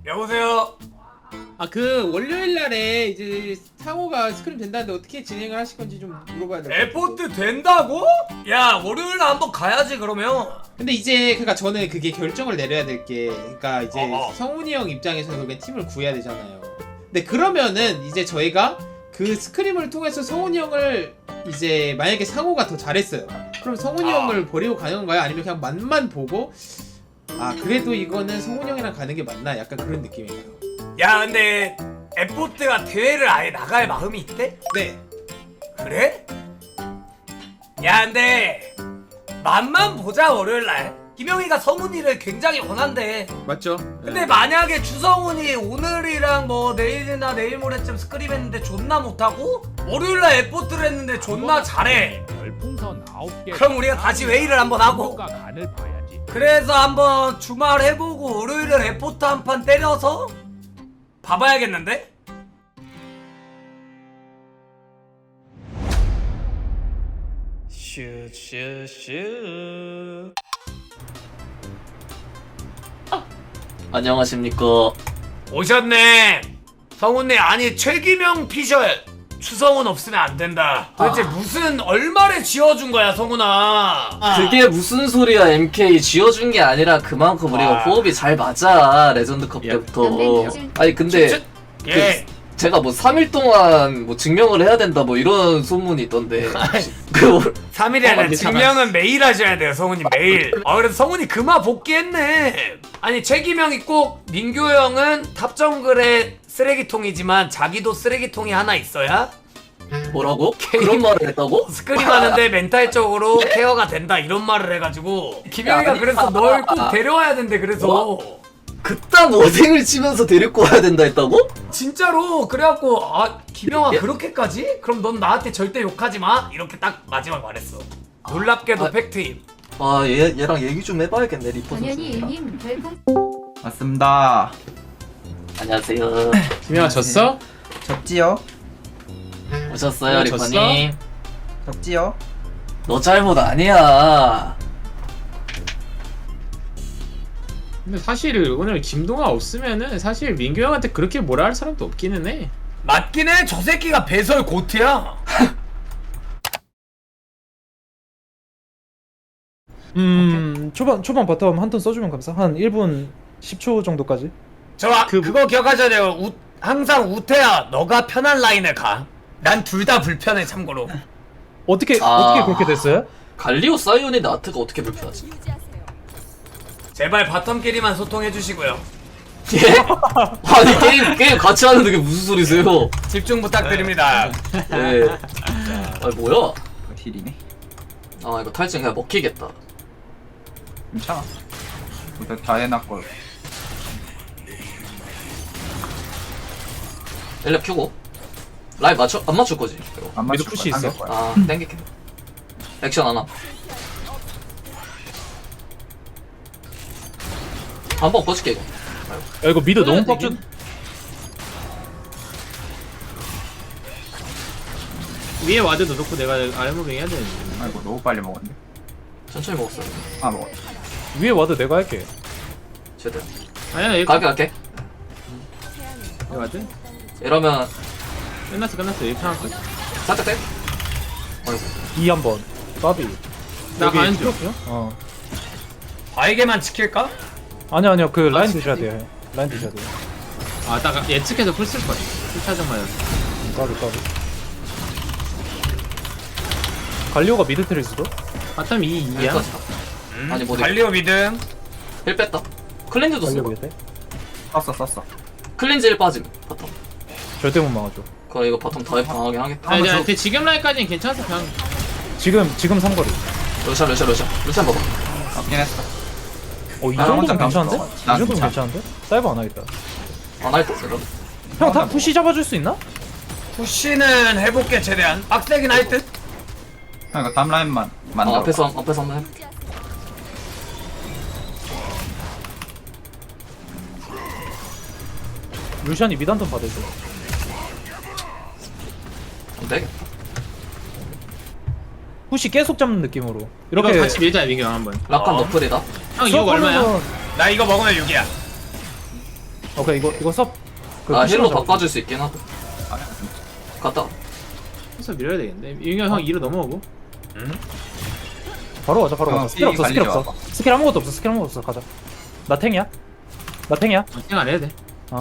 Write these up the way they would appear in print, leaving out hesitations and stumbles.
여보세요. 아 그 월요일 날에 이제 상호가 스크림 된다는데 어떻게 진행을 하실 건지 좀 물어봐야 될 것 같아요. 에포트 된다고? 야 월요일날 한번 가야지 그러면. 근데 이제 그러니까 저는 그게 결정을 내려야 될 게 그러니까 이제 어어. 성훈이 형 입장에서는 결국엔 팀을 구해야 되잖아요. 근데 그러면은 이제 저희가 그 스크림을 통해서 성훈이 형을 이제 만약에 상호가 더 잘했어요. 그럼 성훈이 형을 버리고 가는 건가요? 아니면 그냥 맛만 보고 아 그래도 이거는 성훈이 형이랑 가는 게 맞나? 약간 그런 느낌인가요? 야 근데 에포트가 대회를 아예 나갈 마음이 있대? 네. 그래? 야 근데 맛만 보자 월요일날. 김영희가 성훈이를 굉장히 원한대. 맞죠? 근데 만약에 주성훈이 오늘이랑 뭐 내일이나 내일 모레쯤 스크림 했는데 존나 못하고 월요일날 에포트를 했는데 존나 잘해. 별풍선 9개. 그럼 우리가 다시 웨이를 한번 하고 간을 봐야지. 그래서 한번 주말 해보고 월요일에 에포트 한 판 때려서 봐봐야겠는데? 슈슈슈. 안녕하십니까. 오셨네. 성훈네 아니 최기명 피셜 추성훈 없으면 안 된다. 도대체 무슨 얼마를 지어준 거야 성훈아. 그게 무슨 소리야. MK 지어준 게 아니라 그만큼 우리가 호흡이 잘 맞아. 레전드컵 때부터. 아니 근데 예. 제가 뭐 3일 동안 뭐 증명을 해야 된다 뭐 이런 소문이 있던데. 그 3일이 아니라 증명은 매일 하셔야 돼요 성훈이 매일. 아 그래서 성훈이 그마 복귀했네. 아니 최기명이 꼭 민규 형은 탑정글의 쓰레기통이지만 자기도 쓰레기통이 하나 있어야 뭐라고? 그런 말을 했다고? 스크림 하는데 멘탈적으로 케어가 된다 이런 말을 해가지고 김영희가 아니, 그래서 널 꼭 데려와야 된대. 그래서 뭐? 그딴 어생을 치면서 데리고 와야 된다 했다고? 진짜로 그래갖고 아 김영아 예? 그렇게까지? 그럼 넌 나한테 절대 욕하지 마 이렇게 딱 마지막 말했어. 놀랍게도 아. 팩트임. 아 얘랑 얘기 좀 해봐야겠네. 리포 당연히 선수랑. 님 별풍 맞습니다. 안녕하세요. 김영아 졌어? 졌지요? 오셨어요 졌어? 리포님. 졌지요? 너 잘못 아니야. 근데 사실 오늘 김동아 없으면은 사실 민규 형한테 그렇게 뭐라 할 사람도 없기는 해. 맞긴 해. 저 새끼가 배설 고트야. 초반 바텀 한 턴 써주면 감사. 한 1분 10초 정도까지. 그거 기억하셔야 돼요. 항상 우태야 너가 편한 라인을 가. 난 둘 다 불편해 참고로. 어떻게 아. 그렇게 됐어요? 갈리오 사이온의 나트가 어떻게 불편하지? 제발 바텀끼리만 소통해 주시고요. 예? 아니 게임 같이 하는데 그게 무슨 소리세요? 집중 부탁드립니다. 예. 아 뭐야? 딜이네. 아 이거 탈진 그냥 먹히겠다. 괜찮아. 일단 다 해놨고. 엘렙 큐고 라인 맞춰 안 맞출 거지? 이거. 안 미드 맞출 푸시 거야, 있어? 당길 거야. 아 땡길게. 액션 하나. 한번 꺼질게 이거. 야 이거 미드 너무 되긴. 빡준. 위에 와드도 넣고 내가 아이무빙 해야 되는데. 아이고 너무 빨리 먹었는데. 천천히 먹었어. 아 먹었다. 위에 와도 내가 할게. 제대로. 아니야 여기 갈게. 와드? 이러면 끝났어 이렇게 할까? 살짝 땡. 아이고. 2 한번. 까비. 나 여기 가는 중. 트로피요? 어. 바에게만 지킬까? 아니요 그 라인 드셔야 돼요. 라인 드셔야 돼요. 아딱 예측해서 풀 쓸 거야. 풀차정 맞았어. 까비. 갈리오가 미드 트릴 수도? 바텀 2야. 여기까지다. 아니 뭐 갈리오 미드. 1 뺐다. 클렌즈도 갈리오 쓰고. 미드. 썼어. 클렌즈 1 빠짐. 바텀. 절대 못 막아줘. 그럼 이거 바텀 더 방하긴 하겠다. 아니 그 지금 라인까지는 괜찮아서 그냥 지금 삼거리. 루시안 봐봐. 맞긴 했어. 이 나 혼자 정도면 괜찮은데? 가면 이 난 정도면 괜찮아. 괜찮은데? 사이버 안 하겠다. 안 할 거 없어. 형 다 푸시 잡아줄 수 있나? 푸시는 해볼게 최대한. 빡세긴 할 듯. 형 이거 다음 라인만 만들어. 앞에서 한번 해. 루시안이 미드 한턴 받아줘. 안 되겠다. 푸시 계속 잡는 느낌으로. 이렇게 이렇게 같이 밀자 민규 형 한번. 라칸 너플이다. 형 이거 얼마야? 나 이거 먹으면 6이야. 오케이 이거 섭. 그 아 푸시로 힐로 잡고. 바꿔줄 수 있긴 하고. 아, 갔다. 해서 밀어야 되겠네. 윤경 형 2로 넘어오고. 바로 가자 바로 어, 가자. 스킬 없어 스킬 관리 없어. 스킬 아무것도 없어 스킬 아무것도 없어 가자. 나 탱이야. 나 탱이야. 생 안 해야 돼.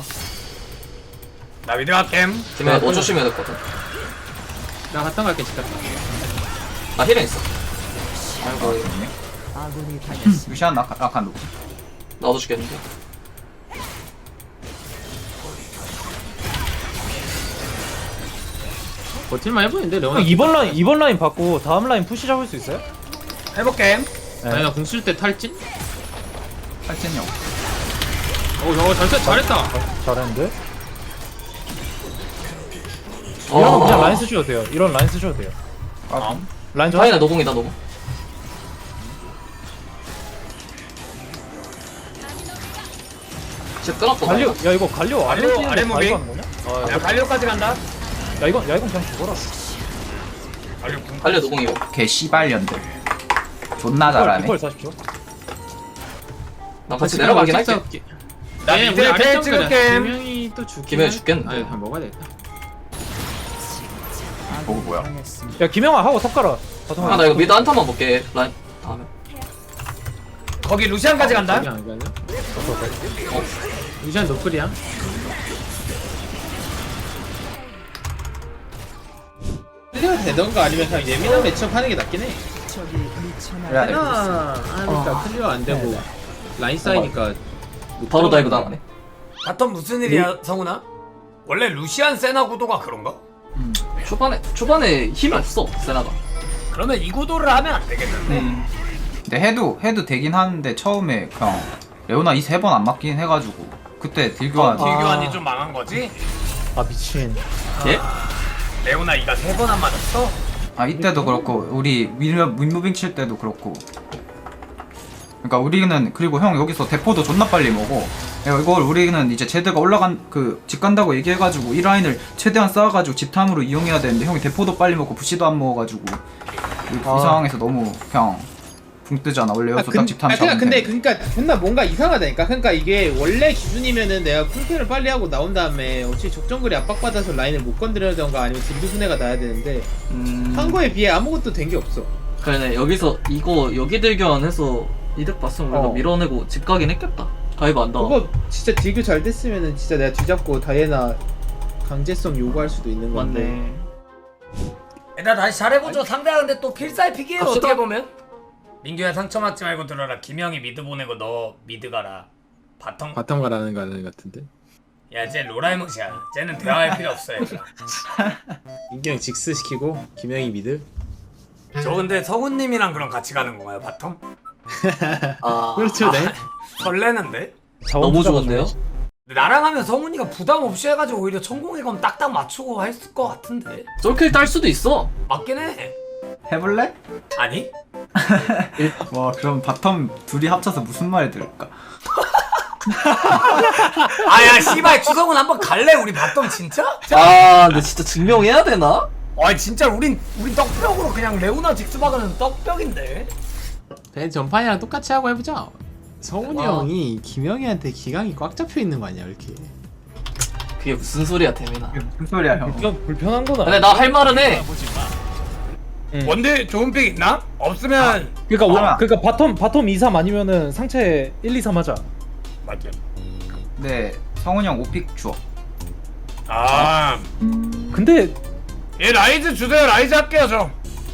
나 미드 갈겜. 팀에 5초 쉬면 됐거든. 나 갔다 갈게 집 갔다. 나 힐은 있어. 아이고 루시안 낙한 높. 나도 죽겠는데. 버틸만 해보이는데 레오나. 형 2번 라인 받고 다음 라인 푸시 잡을 수 있어요? 해볼게. 아니 나 공 쓸 때 탈진? 탈진형. 오 저거 잘했다. 잘했는데. 어. 이런 거 그냥 라인 쓰셔도 돼요. 이런 라인 쓰셔도 돼요. 라인 좀 다이나 노공이다 노공. 진짜 끊었거든. 갈려. 야 이거 갈려 아래 갈려, 뛰는데 아래 무빙. 갈려 하는 거냐? 야 갈려까지 간다. 야 이건 그냥 죽어라. 갈려 노공이고. 개 씨발년들. 존나 잘하네. 이걸 40초. 나 같이 내려가긴 할게. 나 미드 텔 찍을게. 김영이 또 죽긴 김영이 죽겠는데. 아니 그냥 먹어야 되겠다. 보고 뭐야? 야 김영아 하고 턱 깔아. 아 나 이거 미드 한타만 볼게. 라인 다음에. 거기 루시안까지 간다. 여기 안 가냐? 유지한 노플이야. 클리어 되던가 아니면 그냥 예민한 매치업 하는 게 낫긴 해. 그래야 돼. 하나 하니까 클리어 안 되고 라인 쌓이니까 바로 다이브 당하네. 바텀 무슨 일이야 성훈아? 원래 루시안 세나 구도가 그런가? 초반에 힘이 없어 세나가. 그러면 이 구도를 하면 안 되겠는데. 근데 해도 되긴 하는데 처음에 그냥 레오나 이 3번 안 맞긴 해가지고 그때 딜교환 딜교환이 좀 망한 거지? 아 미친. 예? 레오나 이가 3번 안 맞았어? 아 이때도 그렇고 우리 윈무빙 칠 때도 그렇고 그러니까 우리는 그리고 형 여기서 대포도 존나 빨리 먹어. 이걸 우리는 이제 제드가 올라간 그 집 간다고 얘기해가지고 이 라인을 최대한 쌓아가지고 집탐으로 이용해야 되는데 형이 대포도 빨리 먹고 부시도 안 먹어가지고 이 상황에서 너무 그냥 붕 뜨잖아. 원래 여기서 딱 집탐 잡으면 돼. 그러니까 존나 뭔가 이상하다니까. 그러니까 이게 원래 기준이면은 내가 풀템을 빨리 하고 나온 다음에 어차피 적정거리 압박받아서 라인을 못 건드려던가 아니면 딜드 분해가 나야 되는데 한 거에 비해 아무것도 된 게 없어. 그러네. 여기서 이거 여기 들견해서 이득 봤으면 우리가 밀어내고 집 가긴 했겠다. 다이브 안 닿아. 그거 진짜 딜교 잘 됐으면은 진짜 내가 뒤잡고 다이애나 강제성 요구할 수도 있는 건데. 맞네. 일단 다시 잘해보죠. 상대가 근데 또 필살픽이에요. 갑시다. 어떻게 보면. 민규야 상처받지 말고 들어라. 김영이 미드 보내고 너 미드 가라. 바텀. 바텀 가라는 거 같은데. 야, 쟤 로라이못이야. 쟤는 대화할 필요 없어. 얘들아. 인경 직스 시키고 김영이 미드. 저 근데 성훈님이랑 그럼 같이 가는 건가요, 바텀? 아 그렇죠, 네. 설레는데? 너무 좋은데요? 근데 나랑 하면 성훈이가 부담 없이 해가지고 오히려 천공의 검 딱딱 맞추고 했을 것 같은데. 솔킬 딸 수도 있어. 맞긴 해. 해볼래? 아니? 와 그럼 바텀 둘이 합쳐서 무슨 말이 들을까? 아야 씨발 추성훈 한번 갈래? 우리 바텀 진짜? 아 근데 진짜 증명해야 되나? 아 진짜 우린 떡벽으로 그냥 레오나 직스박은 떡벽인데. 벤 전판이랑 똑같이 하고 해보자. 성훈이 와. 형이 김영희한테 기강이 꽉 잡혀 있는 거 아니야 이렇게? 그게 무슨 소리야 대민아. 무슨 소리야 형? 불편한 거나. 근데 나 할 말은 해. 원딜 좋은 픽 있나? 없으면 그러니까 바텀 2, 3 아니면은 상체 1, 2, 3 하자. 맞죠. 네 성훈이 형 5픽 주어. 아, 근데 얘 라이즈 주세요. 라이즈 할게요 저.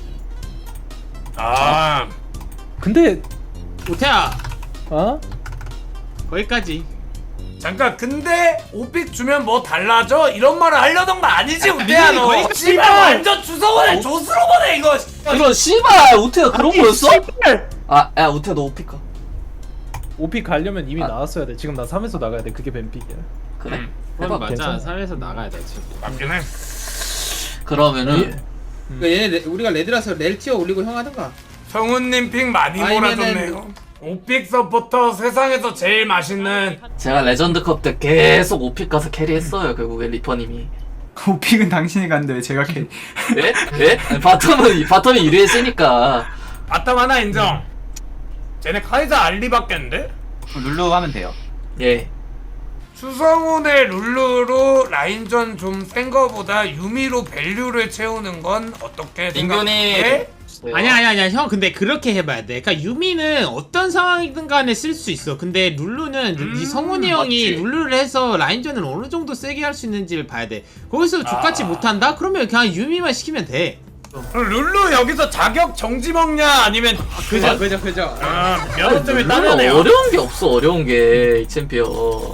아, 근데 오태야 어? 거기까지. 잠깐 근데 오픽 주면 뭐 달라져? 이런 말을 하려던 거 아니지 우대야 너? 거기까지 씨발 완전 주성원을 조스로 보내 이거. 그런 씨발 우태가 그런 거였어? 아야 우태 너 오피카. OP 가려면 이미 나왔어야 돼. 지금 나 3에서 나가야 돼. 그게 뱀픽이야. 그래? 그건 해봐. 맞아. 괜찮아. 3에서 나가야 돼 지금. 맞긴 해. 그러면은 그러니까 얘네 우리가 레드라서 렐 티어 올리고 형 하던가. 성훈님 픽 많이 몰아줬네요. 오픽 서포터 세상에서 제일 맛있는. 제가 레전드컵 때 계속 오픽 가서 캐리했어요. 결국에 리퍼님이. 5픽은 당신이 갔는데 왜 제가 캐리? 예? 예? 아니, 바텀이 유리했으니까. 바텀 하나 인정. 쟤네 카이사 알리 바뀌었는데? 룰루 하면 돼요. 예. 수성훈의 룰루로 라인전 좀 센 거보다 유미로 밸류를 채우는 건 어떻게 민균이 생각해? 아니야 형 근데 그렇게 해봐야 돼. 그러니까 유미는 어떤 상황이든 간에 쓸 수 있어. 근데 룰루는 이 성훈이 형이 맞지. 룰루를 해서 라인전을 어느 정도 세게 할 수 있는지를 봐야 돼. 거기서 족같이 못한다? 그러면 그냥 유미만 시키면 돼. 그럼 룰루 여기서 자격 정지 먹냐 아니면 그죠. 면허 때문에 룰루 따면해요. 어려운 게 없어. 어려운 게 이 챔피언.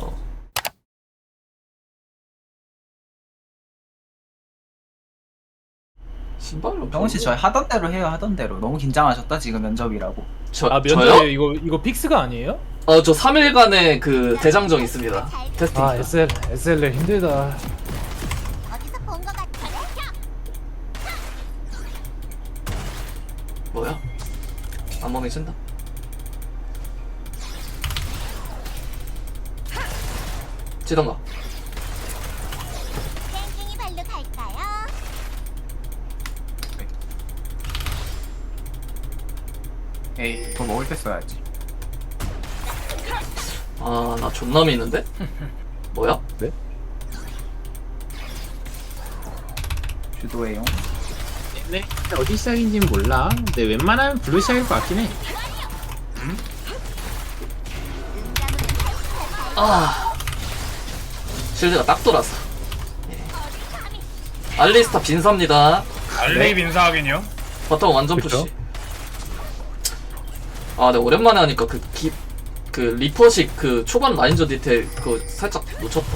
신발로 병원 씨 저희 하던 대로 해요. 하던 대로. 너무 긴장하셨다 지금 면접이라고. 아 저요? 면접 이거 픽스가 아니에요? 저 3일간의 그 대장정 있습니다. 테스팅. 아 SLR 힘들다. 어디서 본 것 같아. 뭐야? 안몸이 쓴다. 치던가. 땡땡이 발로 갈까요? 에이 더 먹을 때 써야지. 아, 나 존나 미는데? 뭐야? 주도해요. 네. 어디 시작인지는 몰라. 근데 웬만하면 블루 시작일 것 같긴 해. 아. 실드가 딱 돌았어. 예. 알리스타 빈사입니다. 알레이 빈사하긴요. 바텀 완전 그쵸? 푸시. 아, 내가 오랜만에 하니까 그 리퍼식 그 초반 라인저 디테일 그거 살짝 놓쳤다.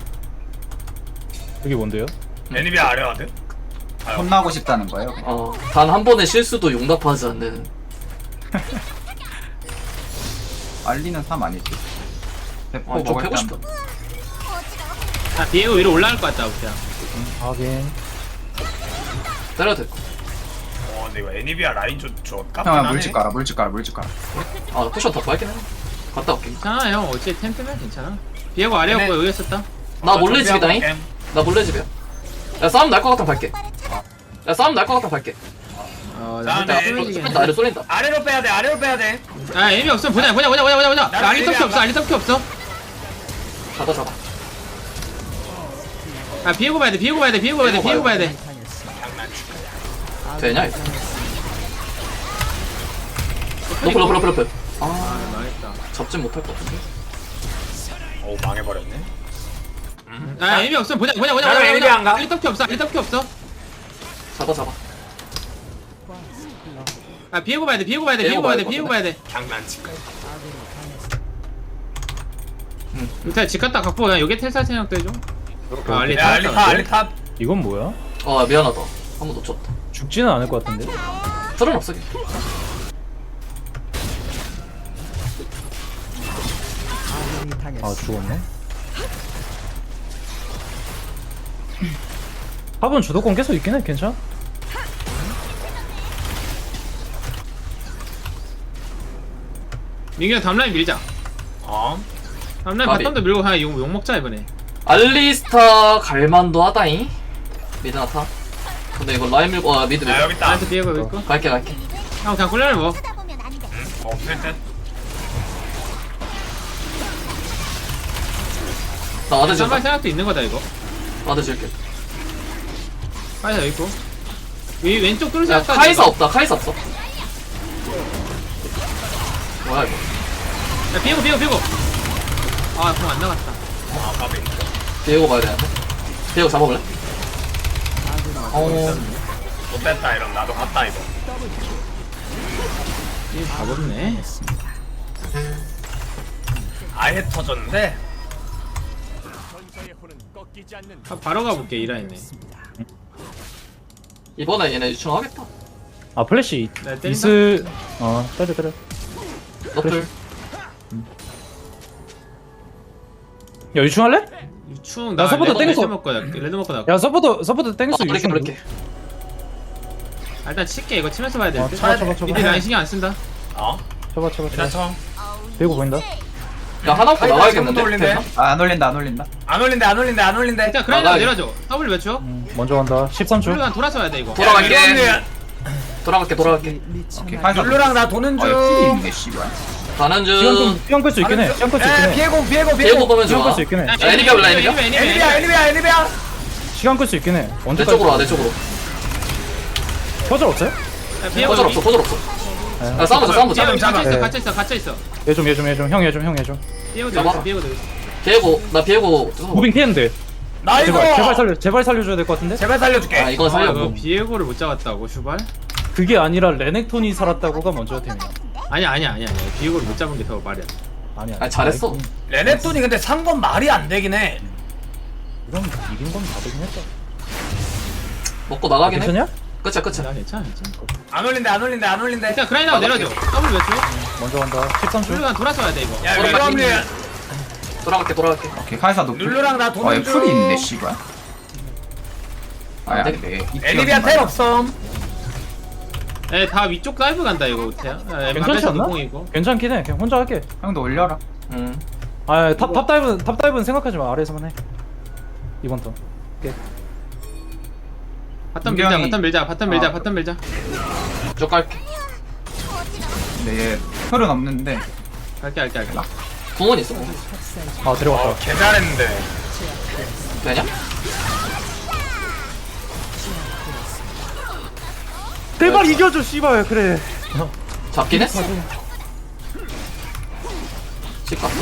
그게 뭔데요? 애니비아 아래와드? 혼나고 싶다는 거예요. 단 한 번의 실수도 용납하지 않는. 알리는 3 아니지. 대포 아, 좀 먹을 패고 때 싶다. 아 비에고 위로 올라갈 것 같다 그냥. 하긴. 때려도 될 거. 근데 이거 애니비아 라인 저 깝긴 형아 하네. 물집 깔아 물집 깔아 물집 깔아. 아, 쿠션 더 빨긴 해. 갔다 올게. 괜찮아 형. 어째 템 뜨면 괜찮아. 비에고 아래였고 여기 있었다. 나 몰래 집이다잉. 게임. 나 몰래 집이야. 야, 싸움 날 것 같으면 갈게. 야, 싸움 날 것 같으면 갈게. 나 네. 쏠린다, 아래 쏠린다. 아래로 빼야 돼. 아래로 빼야 돼. 아 애미 없으면 보자. 나 알리 터키 없어. 알리 터키 없어. 잡아. 아 비에고 봐야 돼. 비에고 봐야 돼. 되냐, 이거? 러플. 아, 망했다. 잡진 못할 것 같은데. 오 망해버렸네. 아 애미 없으면 보자. 나도 애미 안 가. 알리 터키 없어. 잡아. 아 비에고 봐야 돼. 장난칠까? 일단 집 갔다 갖고 그냥 여기 텔사 생각도 해줘. 아 알리 야 알리 탑. 이건 뭐야? 아, 미안하다. 한 번 놓쳤다. 죽지는 않을 것 같은데. 틀은 없어. 아 죽었네. 탑은 주도권 계속 있긴 해. 괜찮아? 민규야 다음라인 밀자. 다음라인 까비. 바텀도 밀고 그냥 욕 먹자 이번에. 알리스타 갈만도 하다잉. 미드나타. 근데 이거 라인 밀고 미드. 야 여기 있다. 나한테 비에고 여기 있고. 갈게. 형 그냥 꿀려를 먹어. 쳐다보면 안 돼. 없을 듯. 나 와드 쌈발 줄게. 생각도 있는 거다 이거. 와드 줄게. 카이사 여기 있고. 이 왼쪽 뚫을 야, 생각까지. 카이사 없다. 카이사 없어. 뭐야 이거? 야 비에고. 아 그럼 안 나갔다. 아 까비. 비에고 봐야 되는데. 비에고 잡아볼래? 못됐다 이러면 나도 갔다 이거. 이 바보네. 아예 터졌는데. 아, 바로 가볼게 이 라인에. 이번에 얘네 유충하겠다. 아 플래시 나 때린다. 있을. 때려. 너플. 야 유충할래? 유충 나 서포터 땡겼어. 레드 먹고 나. 야 서포트 땡겼어. 유충. 그렇게. 아, 일단 칠게 이거 치면서 봐야 돼. 쳐봐. 미드 라인 신경 안 쓴다. 쳐봐. 일단 쳐. 배고 보인다. 야, 하나 없고 나가야겠는데? 올린대. 안 올린다. 안 올린대. 일단 그라인드 나가야 내려줘. W 몇 초? 먼저 간다. 13초. 블루랑 돌아서 와야 돼 이거. 돌아갈게. 돌아갈게. 오케이 카이사. 룰루랑 나 도는 아 중. 여기 풀이 있네 씨발. 가는 시간 끌수 있긴 해. 시간 끌 수 있긴 해. 피해고 보면 시간 좋아. 끌수 있긴 해. 애니비아 올라 애니비아? 애니비야. 시간 끌 수 있긴 해. 내 언제까지? 쪽으로 와내 쪽으로. 퍼즐 없어요? 퍼즐 없어 퍼즐 없어. 야 싸움보자. 네. 갇혀있어. 얘 좀 형 얘 좀. 잡아. 피해고 나 피해고. 무빙 피했는데. 나 이거 제발 살려줘야 될 것 같은데? 제발 살려줄게. 아 이건 살려고. 비에고를 못 잡았다고 슈발? 그게 아니라 레넥톤이 살았다고가 먼저 팀이야. 아니야. 비에고를 못 잡은 게 더 말이야. 아니야. 아니 잘했어. 레넥톤이 근데 산 건 말이 안 되긴 해. 이건 이긴 건 다르긴 했다. 먹고 나가긴 해. 괜찮냐? 끝이야. 괜찮아. 안 올린대. 일단 그라인하고 내려줘. 더블 몇 초? 먼저 간다. 13초. 룰루가 돌아서 와야 돼 이거. 야, 돌아갈게. 오케이 카이사 노플. 룰루랑 나 도는 얘 중. 풀이 있네 씨발. 아야 안돼. 애니비아 텔 없음. 다 위쪽 다이브 간다 이거 우태야. 괜찮지 않나? 노공이고. 괜찮긴 해. 그냥 혼자 할게. 형도 올려라. 탑 다이브는 생각하지 마. 아래에서만 해. 이번 턴. 바텀 밀자. 민경이- 바텀 밀자. 쭉 갈게. 근데 얘 풀은 없는데. 갈게. 궁원 있어. 아 데려왔다. 개 잘했는데. 되냐? 제발 이겨줘 씨발 그래. 잡긴 했어. 집 갔어.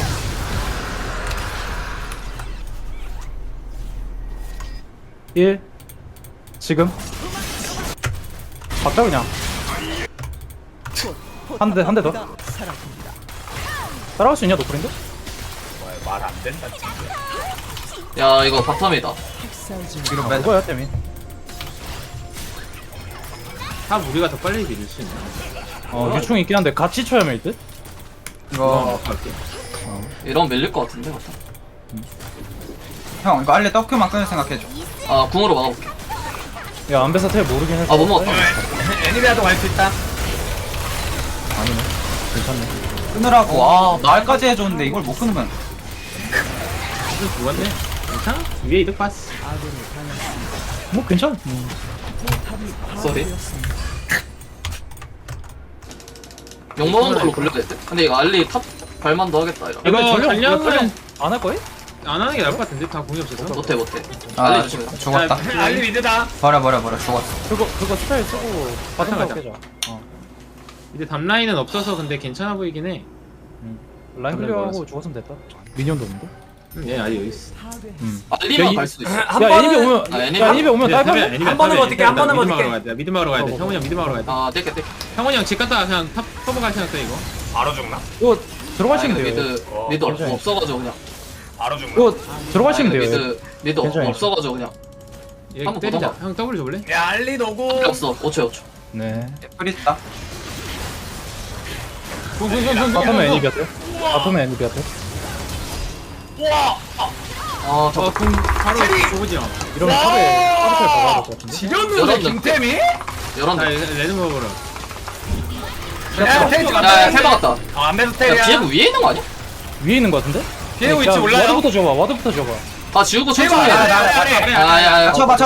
지금. 박자 그냥. 한 대 더. 따라갈 수 있냐 노프린데? 말 안 된다. 야 이거 바텀이다. 뒤로 빼. 그거야 때문에. 다 우리가 더 빨리 밀릴 수 있나? 유충 있긴 한데 같이 쳐야 할 듯? 이거 갈게. 이러면 밀릴 것 같은데 바텀. 형 이거 알레 떡큐만 끊을 생각해줘. 아 궁으로 막아볼게. 야 안배사 텔 모르긴 했어. 아 못 먹었다. 애니비아도 갈 수 있다. 아니네. 괜찮네. 끊으라고. 아 말까지 해줬는데 이걸 못 끊으면. 이거 좋았네. 괜찮아? 위에 이득 봤어. 뭐 괜찮. 쏘리. 욕먹은 걸로 굴려야 될 듯? 근데 이거 알리 탑 발만도 하겠다 이거. 이거 전령 전령은 안할 거야? 안 하는 게 나을 것 같은데 다 공이 없어서. 못해. 아 알리 조심해. 죽었다. 알리 미드다. 버려 죽었어. 그거 스타일 쓰고 바텀 가자. 가고 깨자. 이제 답 라인은 없어서 근데 괜찮아 보이긴 해. 라인 클리어하고 죽었으면 됐다. 미니언도 없는데? 얘 아직 여기 있어. 알리만 이- 갈 수도 있어. 한 야 번은 애니비 오면 아, 애니비? 야 애니비 오면 딸팔. 한 번은 어떻게, 한 번은 어떻게. 미드 막으러 가야 돼. 형훈이 형 미드 막으러 가야 돼. 아 뗄게. 형훈이 형 집 갔다가 그냥 탑 커버 갈 생각돼 이거. 바로 죽나? 이거 아, 들어가시면 이거 돼요. 미드 괜찮아요. 없어가지고 그냥. 바로 죽나? 이거 들어가시면 아, 이거 돼요. 미드 괜찮아요. 없어가지고 그냥. 얘 한번 때리자. 보던가. 형 W 줘볼래? 야 알리 노고. 필요 없어. 5초. 네. 풀 있다. 바텀에 애니비한테. 바텀에 애니비한테. 와. 아 저. 공 바로 줘보지 형. 이러면 탑에 탑에 박아야 될 것 같은데. 지렸는데 열었는데. 김태미? 자 열었네. 레드 먹으러. 야 텔 야 찍었다. 해박았다. 안배도 야 텔이야. 비에고 위에 있는 거 아니야? 위에 있는 것 같은데? 비에고 야, 위치 몰라요? 와드부터 줘봐. 와드부터 줘봐. 아 지우고 천천히 해. 아래. 아야야. 쳐봐.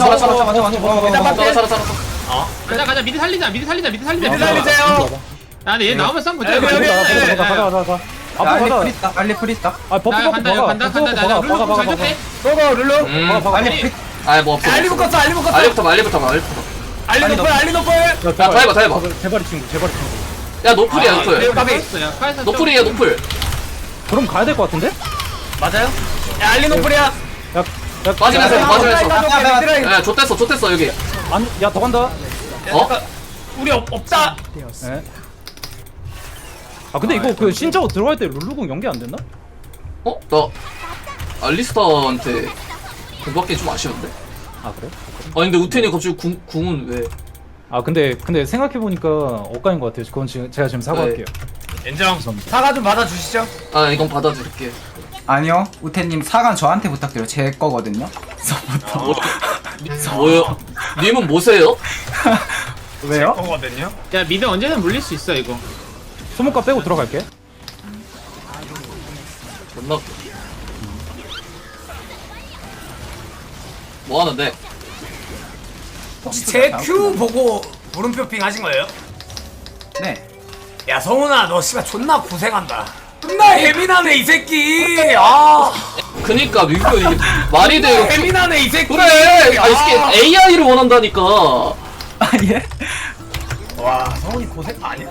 가자 미드 살리자. 미드 미드 살리세요. 아 근데 얘 나오면 싸움 못해. 여기, 여기, 여기. 가자. 앞으로 알레 가자. 풀 있다. 알레 풀 있다. 아 버프 나 버프 간다 나 룰루 공잘 줬대. 고고 룰루. 알레 풀. 아뭐 없어. 알리 묶었어. 알리 묶었어. 알리부터. 알리 노플. 알리 노플. 다 해봐. 제발이 친구. 야 노플이야 노플. 까비. 노플이야 노플. 그럼 가야 될 것 같은데? 맞아요? 야 알리 노플이야. 야 맞으면서. 야 야 좆됐어 여기. 야더 간다. 우리 없다. 예. 아 근데 이거 그 신짜오 들어갈 때 룰루공 연계 안 됐나? 어? 나 알리스타한테 공 받기 좀 아쉬운데? 아 그래? 아니 근데 우텐이 갑자기 궁은 왜? 아 근데 생각해 보니까 엇가인 것 같아요. 그건 지금 제가 지금 사과할게요. 인정. 사과 좀 받아주시죠. 아 이건 받아들일게. 아니요. 우태님 사관 저한테 부탁드려. 제 거거든요. 뭐요? 님은 뭐세요? 왜요? 거거든요. 야 미드 언제든 물릴 수 있어 이거. 소모가 빼고 들어갈게. 존나 웃겨. 뭐 하는데? 혹시 제 큐 보고 물음표 핑 하신 거예요? 네. 야 성훈아 너 씨발 존나 고생한다. 존나 예민하네 이 새끼. 아 그니까 민규 이게 말이 돼요. 예민하네 이 새끼. 그래. 아 이게 AI를 원한다니까. 아 예? 와 성훈이 고생 아니야.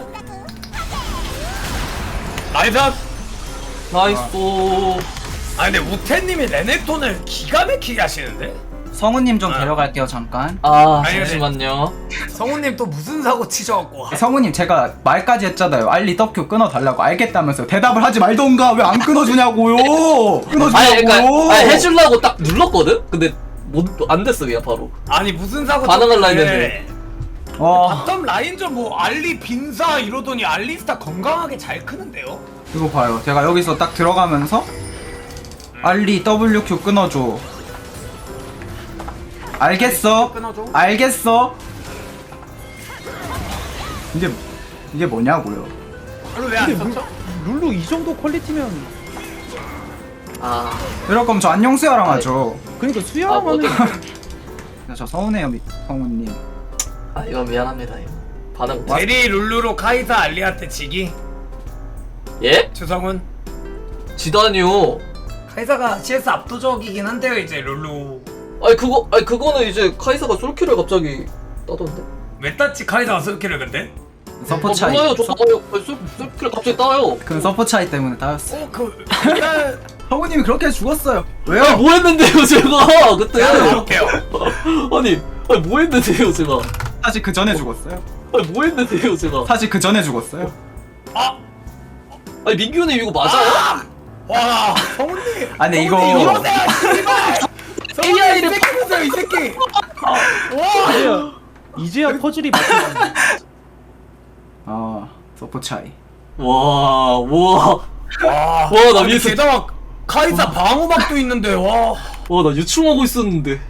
나이스. 나이스. 아 근데 우태님이 레넥톤을 기가 막히게 하시는데? 성우님 좀 데려갈게요 잠깐. 아 아니, 잠시만요. 성훈님 또 무슨 사고 치셔갖고. 성우님 제가 말까지 했잖아요. 알리 떡큐 끊어달라고. 알겠다면서 대답을 하지 말던가. 왜 안 끊어주냐고요. 아니 그러니까 끊어주냐고요. 아니, 해주려고 딱 눌렀거든. 근데 안 됐어 그냥 바로. 아니 무슨 사고 반응을 쳤는데. 했는데. 바텀 라인전 뭐 알리 빈사 이러더니 알리스타 건강하게 잘 크는데요? 이거 봐요. 제가 여기서 딱 들어가면서 알리 WQ 끊어줘. 알겠어. 끊어줘. 알겠어. 이게 뭐냐고요. 그럼 왜안 썼죠? 룰루 이 정도 퀄리티면 아 이럴 거면 저 안녕수야랑 하죠. 그러니까 아, 수야하면은 저 서운해요, 성우님. 아 이건 미안합니다 이거. 반응. 제리 룰루로 카이사 알리한테 지기? 예? 주성훈? 지다니요. 카이사가 CS 압도적이긴 한데요 이제 룰루. 아니 그거는 이제 카이사가 솔킬을 갑자기 따던데. 왜 땄지 카이사가 솔킬을 근데? 서포 차이. 몰라요. 저 솔킬을 갑자기 따요. 그 서포 차이 때문에 따였어. 일단 성우님이 그렇게 죽었어요. 아니 왜요? 뭐 했는데요 제가 그때. 해볼게요. 아니 뭐 했는데요 제가. 사실 그 전에 죽었어요. 아니 뭐 했는데요 제가. 사실 그 전에 죽었어요. 아니 민규님 이거 맞아요? 와 성훈님. 아니 이거 AI를 새끼 보세요 이 새끼. 이제야 퍼즐이 맞춰졌네. 서포 차이. 와. 와나 미스- 게다가 카이사 방어막도 있는데 와. 와 나 유충하고 있었는데.